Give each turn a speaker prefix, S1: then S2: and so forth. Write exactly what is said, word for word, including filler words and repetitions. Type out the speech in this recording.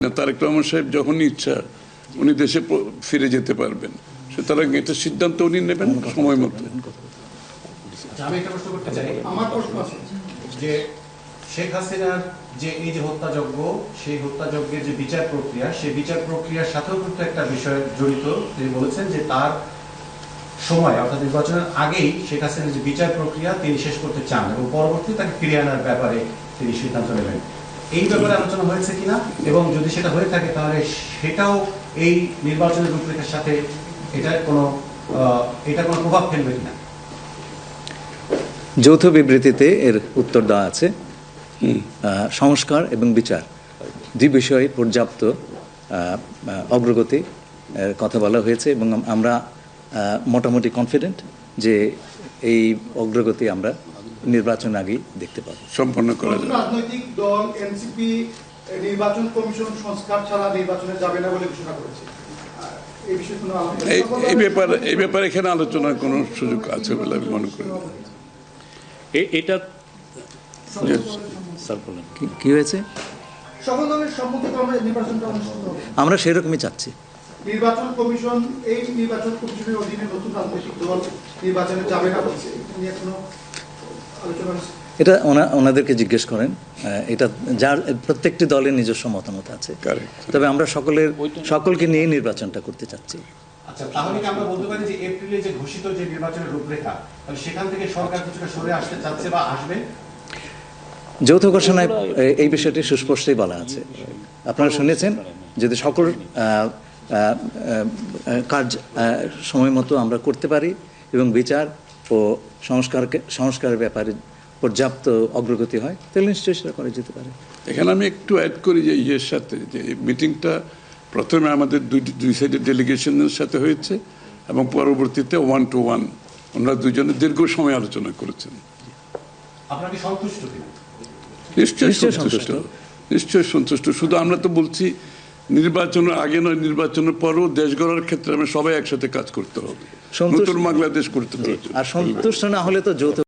S1: তারেক রহমান সাহেব যখনই ইচ্ছা উনি দেশে ফিরে যেতে পারবেন, সুতরাং এটা সিদ্ধান্ত উনি নেবেন সময় মতো।
S2: আমি একটা প্রশ্ন করতে চাই, আমার প্রশ্ন আছে যে শেখ হাসিনার যে এই যে হত্যাযজ্ঞ, সেই হত্যাযজ্ঞের যে বিচার প্রক্রিয়া, সেই বিচার প্রক্রিয়ার সাথেও কিন্তু একটা বিষয় জড়িত। তিনি বলেছেন যে তার সময় অর্থাৎ নির্বাচনের আগেই শেখ হাসিনার যে বিচার প্রক্রিয়া তিনি শেষ করতে চান এবং পরবর্তী তাকে ফিরিয়ে আনার ব্যাপারে তিনি সিদ্ধান্ত নেবেন। এই ব্যাপারে আলোচনা হয়েছে কিনা, এবং যদি সেটা হয়ে থাকে তাহলে সেটাও এই নির্বাচনের রূপরেখার সাথে এটার কোনো এটা কোনো প্রভাব ফেলবে কিনা?
S3: যৌথ বিবৃতিতে এর উত্তর দেওয়া আছে। সংস্কার এবং বিচার দুই বিষয়ে পর্যাপ্ত অগ্রগতি কথা বলা হয়েছে এবং আমরা মোটামুটি কনফিডেন্ট যে এই অগ্রগতি আমরা নির্বাচন আগেই দেখতে পাবো।
S1: সম্পন্ন করা যাবে।
S4: রাজনৈতিক দল এনসিপি নির্বাচন কমিশন সংস্কার ছাড়া নির্বাচনে যাবে না বলে ঘোষণা করেছে। এই বিষয়ে কোনো
S1: এই ব্যাপারে এই ব্যাপারে এখানে আলোচনার কোনো সুযোগ আছে বলে আমি মনে করি।
S5: এটা
S3: কি হয়েছে?
S4: সকল দলের সম্মতিতে আমরা নির্বাচনটা অনুষ্ঠিত হবে।
S3: আমরা সেরকমই চাচ্ছি।
S4: নির্বাচন কমিশন এই নির্বাচন কমিশনের অধীনে নতুন রাজনৈতিক দল নির্বাচনে যাবে না বলছে, এটা নিয়ে কোনো আলোচনা?
S3: এটা ওনাদেরকে জিজ্ঞেস করেন। এটা যার প্রত্যেকটি দলের নিজস্ব মতামত আছে, তবে আমরা সকলের সকলকে নিয়ে নির্বাচনটা করতে চাচ্ছি।
S2: আচ্ছা, তাহলে কি আমরা বলতে পারি যে এপ্রিলে যে ঘোষিত যে নির্বাচনের রূপরেখা, তাহলে সেখান থেকে সরকার কিছুটা সরে আসতে চাচ্ছে বা আসবে?
S3: যৌথ ঘোষণায় এই বিষয়টি সুস্পষ্টই বলা আছে। আপনারা শুনেছেন, যদি সকল কাজ সময় মতো আমরা করতে পারি এবং বিচার ও সংস্কারকে সংস্কারের ব্যাপারে পর্যাপ্ত অগ্রগতি হয়, তাহলে নিশ্চয়ই সেটা করা যেতে পারে।
S1: এখানে আমি একটু অ্যাড করি যে ইয়ের সাথে যে মিটিংটা প্রথমে আমাদের দুই দুই সাইডের ডেলিগেশনের সাথে হয়েছে এবং পরবর্তীতে ওয়ান টু ওয়ান ওনারা দুজনে দীর্ঘ সময় আলোচনা করেছেন।
S2: আপনারা কি সন্তুষ্ট কিনা?
S1: নিশ্চয়ই সন্তুষ্ট, নিশ্চয়ই সন্তুষ্ট। শুধু আমরা তো বলছি নির্বাচনের আগে নয়, নির্বাচনের পরও দেশ গড়ার ক্ষেত্রে আমরা সবাই একসাথে কাজ করতে হবে, নতুন বাংলাদেশ করতে হবে।
S3: আর সন্তুষ্ট না হলে তো যৌথ